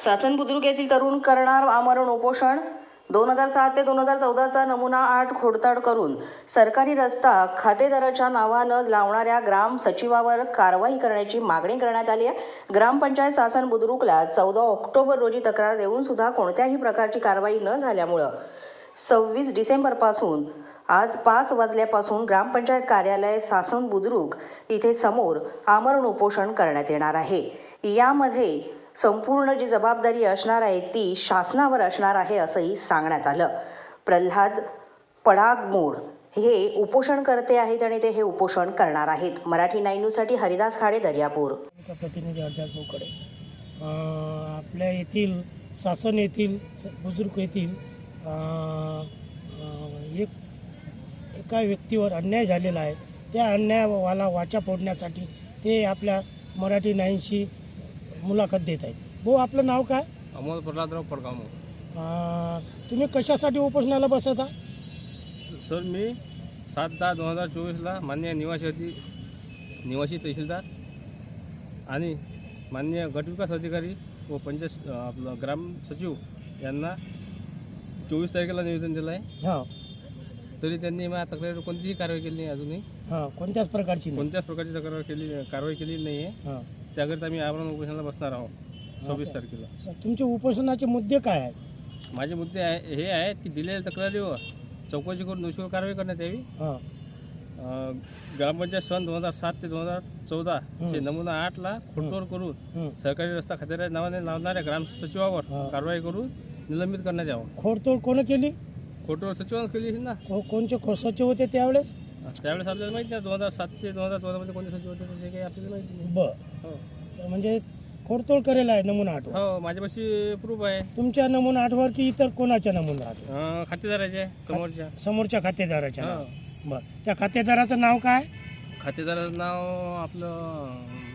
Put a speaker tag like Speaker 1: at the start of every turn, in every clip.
Speaker 1: सासन बुद्रुक येथील तरुण करणार आमरण उपोषण 2007 ते 2014चा नमुना 8 खोडताड करून सरकारी रस्ता खातेदाराच्या नावानं लावणाऱ्या ग्राम सचिवावर कारवाई करण्याची मागणी करण्यात आली आहे. ग्रामपंचायत सासन बुद्रुकला 14 ऑक्टोबर रोजी तक्रार देऊन सुद्धा कोणत्याही प्रकारची कारवाई न झाल्यामुळं 26 डिसेंबरपासून आज 5 वाजल्यापासून ग्रामपंचायत कार्यालय सासन बुद्रुक इथे समोर आमरण उपोषण करण्यात येणार आहे. यामध्ये संपूर्ण जी जबाबदारी असणार आहे ती शासनावर असणार आहे असंही सांगण्यात आलं. प्रल्हाद पडागमोड हे उपोषणकर्ते आहेत आणि ते हे उपोषण करणार आहेत. मराठी 9 न्यूजसाठी हरिदास खाडे, दर्यापूर.
Speaker 2: प्रतिनिधी हरदास भाऊकडे आपल्या येथील सासन येथील बुद्रुक येथील एका व्यक्तीवर अन्याय झालेला आहे. त्या अन्यायाला वाचा फोडण्यासाठी ते आपल्या मराठी 9शी मुलाखत देत आहेत. भाऊ, आपलं नाव काय?
Speaker 3: अमोल प्रल्हादराव पडगाव.
Speaker 2: तुम्ही कशासाठी उपोषणाला बसता?
Speaker 3: सर, मी 7/10/2024ला माननीय निवासी तहसीलदार आणि माननीय गटविकास अधिकारी व पंचायत आपलं ग्राम सचिव यांना 24 तारखेला निवेदन दिलं आहे.
Speaker 2: हां.
Speaker 3: तरी त्यांनी माझ्या तक्रारीवर कोणतीही कारवाई केली नाही. अजूनही
Speaker 2: कोणत्याच प्रकारची
Speaker 3: कारवाई केली नाही आहे.
Speaker 2: हां.
Speaker 3: त्याकरिता आम्ही आमरण उपोषणाला बसणार आहोत 26 तारखेला.
Speaker 2: तुमचे उपोषणाचे मुद्दे काय आहेत?
Speaker 3: माझे मुद्दे हे आहेत की दिलेल्या तक्रारीवर चौकशी करून दोषीवर कारवाई करण्यात यावी. ग्रामपंचायत सन 2007 ते 2014 चे नमुना 8ला खोडतोड करून सरकारी रस्ता खातेदाराच्या नावाने लावणाऱ्या ग्राम सचिवावर कारवाई करून निलंबित करण्यात यावं.
Speaker 2: खोडतोड कोण केली?
Speaker 3: खोडतोड सचिवानं केली असेल ना.
Speaker 2: कोणचे सचिव होते त्यावेळेस?
Speaker 3: त्यावेळेस आपल्याला माहिती नाही. 2007 ते 2014 मध्ये कोणते सचिव होते ते काही आपल्याला माहिती नाही.
Speaker 2: हो, म्हणजे खोडतोड करेल आहे नमुना 8.
Speaker 3: हो, माझ्यापाशी प्रूफ आहे.
Speaker 2: तुमच्या नमुना 8वर की इतर कोणाच्या नमुना 8?
Speaker 3: खातेदाराचे
Speaker 2: समोरच्या खातेदाराच्या. बरं, त्या खातेदाराचं नाव काय?
Speaker 3: खातेदाराचं नाव आपलं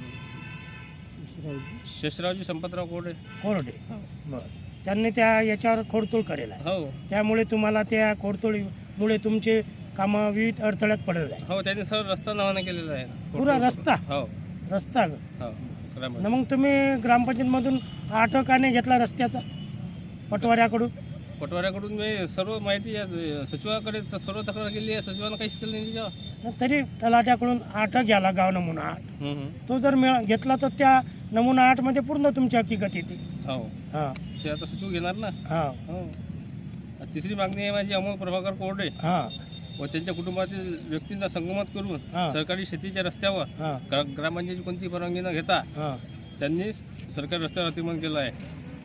Speaker 3: शेषरावजी संपतराव कोरडे.
Speaker 2: बरं, त्यांनी त्या याच्यावर खोडतोड करेल आहे.
Speaker 3: हो,
Speaker 2: त्यामुळे तुम्हाला त्या खोडतोडीमुळे तुमचे कामं विविध अडथळ्यात पडत आहे.
Speaker 3: हो, त्यांनी सर्व रस्ता नावाने केलेला आहे.
Speaker 2: पुरा रस्ता?
Speaker 3: हो,
Speaker 2: रस्ता.
Speaker 3: हो.
Speaker 2: न मग तुम्ही ग्रामपंचायतमधून 8 का नाही घेतला रस्त्याचा
Speaker 3: पटवाऱ्याकडून मी सर्व माहिती सचिवाकडे सर्व तक्रार केली आहे. सचिवानं काहीच केलं नाही त्याच्यावर.
Speaker 2: तरी तलाट्याकडून 8 घ्याला गाव नमुना 8. तो जर घेतला तर त्या नमुना 8 मध्ये पूर्ण तुमची हकीकत येते.
Speaker 3: हो.
Speaker 2: हां.
Speaker 3: ते आता सचिव घेणार ना.
Speaker 2: हां.
Speaker 3: हो. तिसरी मागणी आहे माझी अमोल प्रभाकर कोरडे व त्यांच्या कुटुंबातील व्यक्तींना संगमत करून सरकारी शेतीच्या रस्त्यावर ग्रामपंचायतीची कोणती परवानगी न घेता त्यांनी सरकारी रस्त्यावर अतिक्रमण केलं आहे.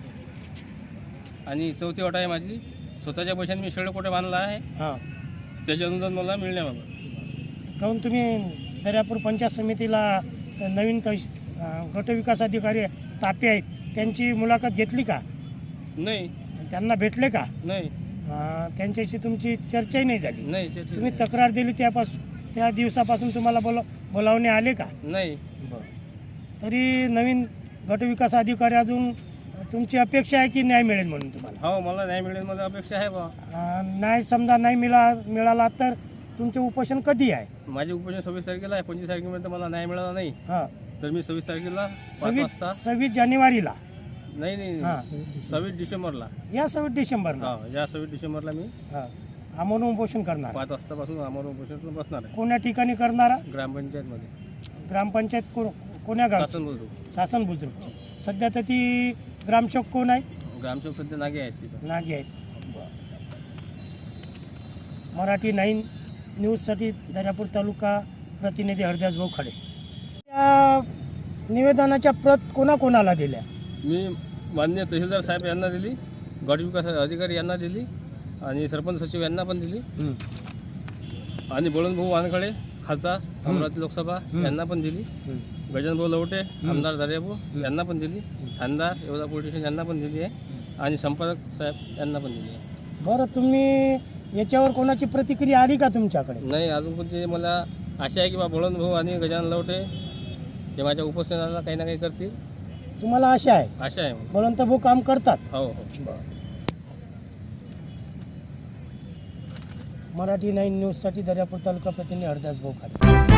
Speaker 3: आणि चौथी अट आहे माझी, स्वतःच्या पैशाने मी शेळकोटे बांधला आहे. त्याचे अनुदान मला मिळण्याबाबत.
Speaker 2: काहून तुम्ही दर्यापूर पंचायत समितीला नवीन गटविकास अधिकारी तापे आहेत त्यांची मुलाखत घेतली का?
Speaker 3: नाही.
Speaker 2: त्यांना भेटले का?
Speaker 3: नाही.
Speaker 2: त्यांच्याशी तुमची चर्चाही नाही झाली?
Speaker 3: नाही.
Speaker 2: तुम्ही तक्रार दिली त्या दिवसापासून तुम्हाला बोलावणे आले का?
Speaker 3: नाही.
Speaker 2: तरी नवीन गटविकास अधिकारी अजून तुमची अपेक्षा आहे की न्याय मिळेल म्हणून तुम्हाला?
Speaker 3: हो, मला न्याय मिळेल मला अपेक्षा आहे बा.
Speaker 2: न्याय समजा नाही मिळाला तर तुमचे उपोषण कधी आहे?
Speaker 3: माझे उपोषण 26 तारखेला आहे. 25 तारखेपर्यंत मला न्याय मिळाला नाही तर मी 26 तारखेला 5 वाजता
Speaker 2: 26 जानेवारीला
Speaker 3: नाही 26 डिसेंबरला
Speaker 2: या 26 डिसेंबरला
Speaker 3: या 26 डिसेंबरला मी
Speaker 2: आमरण उपोषण करणार.
Speaker 3: 5 वाजतापासून आमरण उपोषण बसणार आहे.
Speaker 2: कोण्या ठिकाणी करणारा?
Speaker 3: ग्रामपंचायतमध्ये.
Speaker 2: ग्रामपंचायत कोण्या गाव? सासन बुद्रुकची. सध्या तर ती ग्रामसेवक कोण आहेत?
Speaker 3: ग्रामसेवक सध्या नागे आहेत तिथं.
Speaker 2: नागे आहेत. मराठी 9 न्यूजसाठी दर्यापूर तालुका प्रतिनिधी हरदास भाऊ खाडे. त्या निवेदनाच्या प्रत कोणाकोणाला दिल्या?
Speaker 3: मी माननीय तहसीलदार साहेब यांना दिली, गटविकास अधिकारी यांना दिली आणि सरपंच सचिव यांना पण दिली आणि बळवंतभाऊ वानखडे खासदार अमरावती लोकसभा यांना पण दिली. गजाननभाऊ लवटे आमदार दर्यापूर यांना पण दिली. ठाणेदार येवला पोलीस स्टेशन यांना पण दिली आहे आणि संपादक साहेब यांना पण दिली आहे.
Speaker 2: बरं, तुम्ही याच्यावर कोणाची प्रतिक्रिया आली का तुमच्याकडे?
Speaker 3: नाही, अजून कोणती. मला आशा आहे की बा बळवंतभाऊ आणि गजानन लवटे हे माझ्या उपोषणाला काही ना काही करतील.
Speaker 2: तुम्हाला आशा आहे?
Speaker 3: आशा आहे.
Speaker 2: बळवंत भाऊ काम करतात?
Speaker 3: हो.
Speaker 2: मराठी 9 न्यूजसाठी दर्यापूर तालुका प्रतिनिधी हरदास भाऊ खाडे.